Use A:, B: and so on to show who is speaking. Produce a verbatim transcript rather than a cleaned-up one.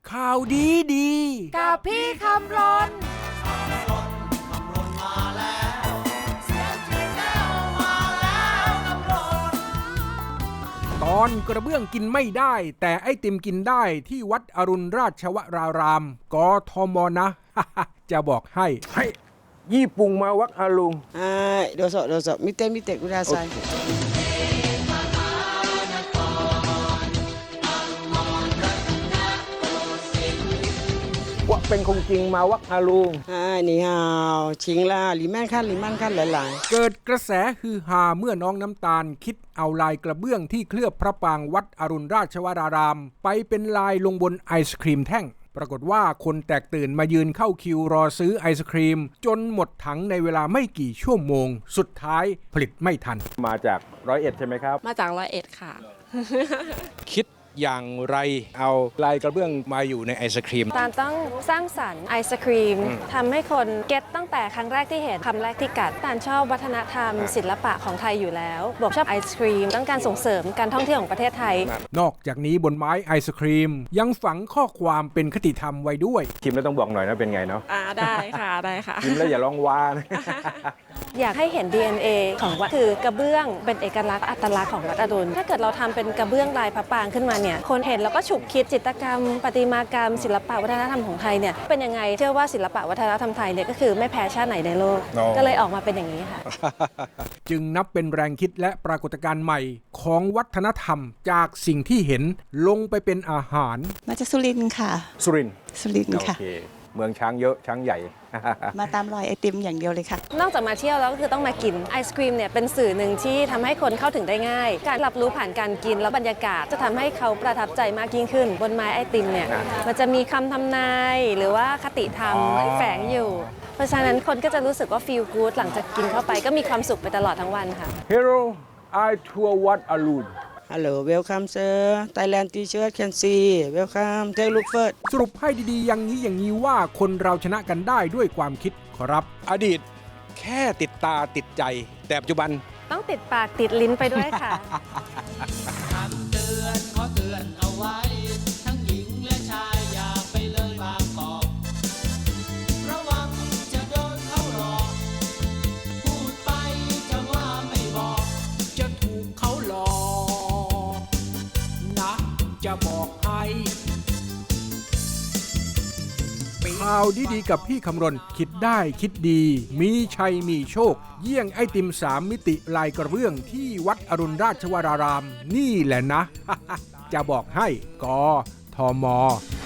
A: ข่าวดีดี
B: กับพี่คำรน
A: ตอนกระเบื้องกินไม่ได้แต่ไอติมกินได้ที่วัดอรุณราชวรารามกทมนะ จะบอกให้ให้ญี่ปุ่งมาวัดอรุณ
C: はい、どうぞどうぞ見てみてください。
A: ว่าเป็นคงจริงมาวัดอรุณ
C: はい、你好，ชิงล่าลิมันขั้นลิมันขั้นหลาย
A: ๆเกิดกระแสฮือฮาเมื่อน้องน้ำตาลคิดเอาลายกระเบื้องที่เคลือบพระปรางวัดอรุณราชวรารามไปเป็นลายลงบนไอศครีมแท่งปรากฏว่าคนแตกตื่นมายืนเข้าคิวรอซื้อไอศครีมจนหมดถังในเวลาไม่กี่ชั่วโมงสุดท้ายผลิตไม่ทันมาจากร้อยเอ็ดใช่ไหมครับ
B: มาจากร้อยเอ็ดค่ะ
A: คิดอย่างไรเอาลายกระเบื้องมาอยู่ในไอศครีม
B: ตาลต้องสร้างสรรค์ไอศครีมทำให้คนเก็ตตั้งแต่ครั้งแรกที่เห็นคำแรกที่กัดตาลชอบวัฒนธรรมศิลปะของไทยอยู่แล้วบอกชอบไอศครีมต้องการส่งเสริมการท่องเที่ยวของประเทศไทย
A: นอกจากนี้บนไม้ไอศครีมยังฝังข้อความเป็นคติธรรมไว้ด้วยชิมแล้วต้องบอกหน่อยนะเป็นไงเนาะ
B: อ่าได้ค่ะได้ค่ะ
A: ชิมแล้วอย่าลองว้านะ
B: อยากให้เห็น ดี เอ็น เอ ของวัดคือกระเบื้องเป็นเอกลักษณ์อัตลักษณ์ของวัดอรุณถ้าเกิดเราทำเป็นกระเบื้องลายพระปรางขึ้นมาเนี่ยคนเห็นแล้วก็ฉุกคิดจิตรกรรมประติมากรรมศิลปะวัฒนธรรมของไทยเนี่ยเป็นยังไงเชื่อว่าศิลปะวัฒนธรรมไทยเนี่ยก็คือไม่แพ้ชาติไหนในโลก no. ก็เลยออกมาเป็นอย่างนี้ค่ะ
A: จึงนับเป็นแรงคิดและปรากฏการณ์ใหม่ของวัฒนธรรมจากสิ่งที่เห็นลงไปเป็นอาหาร
D: มาจากสุรินทร์ค่ะ
A: สุรินทร์
D: สุรินทร์ค่ะ
A: เมืองช้างเยอะช้างใหญ่
D: มาตามรอยไอติมอย่างเดียวเลยค่ะ
B: นอกจากมาเที่ยวแล้วก็คือต้องมากินไอศครีมเนี่ยเป็นสื่อหนึ่งที่ทำให้คนเข้าถึงได้ง่ายการรับรู้ผ่านการกินแล้วบรรยากาศจะทำให้เขาประทับใจมากยิ่งขึ้นบนไม้ไอติมเนี่ยมันจะมีคำทำนายหรือว่าคติธรรมแฝงอยู่เพราะฉะนั้นคนก็จะรู้สึกว่าฟีลกู๊ดหลังจากกินเข้าไปก็มีความสุขไปตลอดทั้งวันค่ะ
A: Hello I tour วัดอรุณ
C: Hello welcome sir Thailand T-shirt can see welcome take look first
A: สรุปให้ดีๆอย่างนี้อย่างนี้ว่าคนเราชนะกันได้ด้วยความคิดขอรับอดีตแค่ติดตาติดใจแต่ปัจจุบัน
B: ต้องติดปากติดลิ้นไปด้วยค่ะ
E: คำเตือนขอเตือนเอาไว้ทั้งหญิงและชายอย่าไปเลยบางกอกระวังจะโดนเขาหลอกพูดไปจะว่าไม่บอกจะถูกเขาหลอกนะจะบอกให้
A: ข่าวดีๆกับพี่คำรณคิดได้คิดดีมีชัยมีโชคเยี่ยงไอติมสามมิติลายกระเบื้องที่วัดอรุณราชวรารามนี่แหละนะ จะบอกให้กทม